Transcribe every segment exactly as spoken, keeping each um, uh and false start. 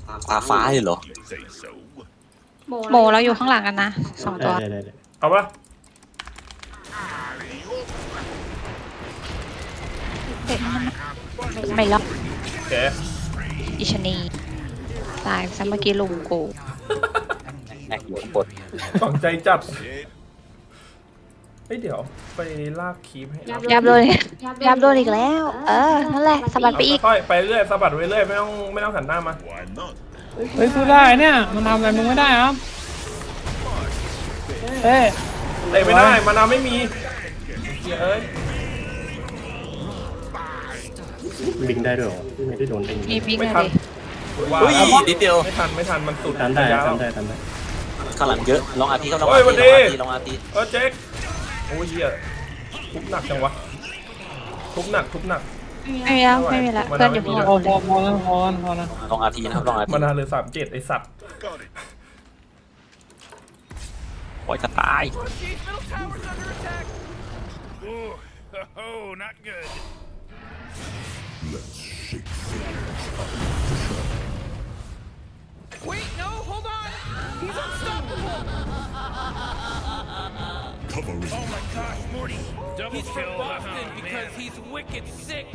ตาฟ้าเลยเหรอโมเราอยู่ข้างหลังกันนะสองตัวได้ได้ได้เอาปะไม่ล็อกโอเคอิชนีตายซะเมื่อกี้ลุมกูแอกอยู่ข้างบนฝังใจจัดเฮ้ยเดี๋ยวไปลากคีบให้ยับโดนยับโดนอีกแล้ว เออนั่นแหละสะบัดไปอีกค่อยๆไปเรื่อยสะบัดไปเรื่อยไม่ต้องไม่ต้องหันหน้ามาเฮ้ยสู้ได้เนี่ยมันทำอะไรมึงไม่ได้ครับเฮ้ยเตะไม่ได้มานาไม่มีเอ้ยบิงได้ด้วยเหรอไม่ได้โดนเองมีบิ๊กไม่เลยทันดิว่าเฮ้ยนิดเดียวไม่ทันไม่ทันมันสุดทำได้ระยะทำได้ทำได้ข้างหลังเยอะลองอาทีครับลองเฮ้อายวันทีดีลองอาทีลองอาทีเออเจ๊กโอ้ยเหี้ยทุบหนักจังวะทุบหนักทุบหนักไม่มีแล้วไม่มีแล้วเพื่อนอยู่ข้างหลังพอพอพอแล้วพอแล้วพอแล้วลองอาทีนะครับลองอาทีมานาเหลือสามเจ็ดไอสัตว์ปล่อยจะตาย Oh, not good. Wait, no, hold on. He's unstoppable. Oh my gosh, Morty. Double he's from Boston oh, because man. He's wicked sick.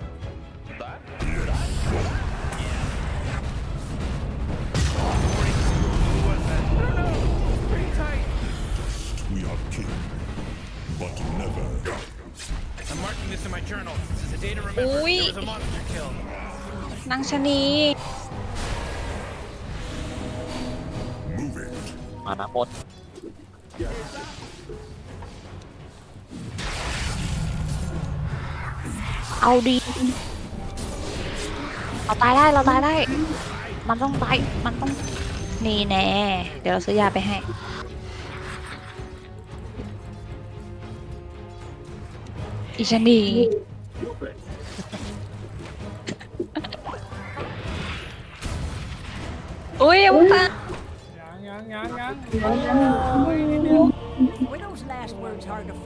Morty, who was that? I don't know. It's pretty tight. We are king, but never. I'm marking this in my journal. This is a day to remember. Ui. There was a monster kill. นางชะนี Move it. มานะหมดเอาดีเราตายได้เราตายได้ มันต้องตายมันต้องนี่แน่เดี๋ยวเราซื้อยาไปให้อิชนีอุ้ยอย่าพุ่งตายังยังยังยัง Were those last words hard to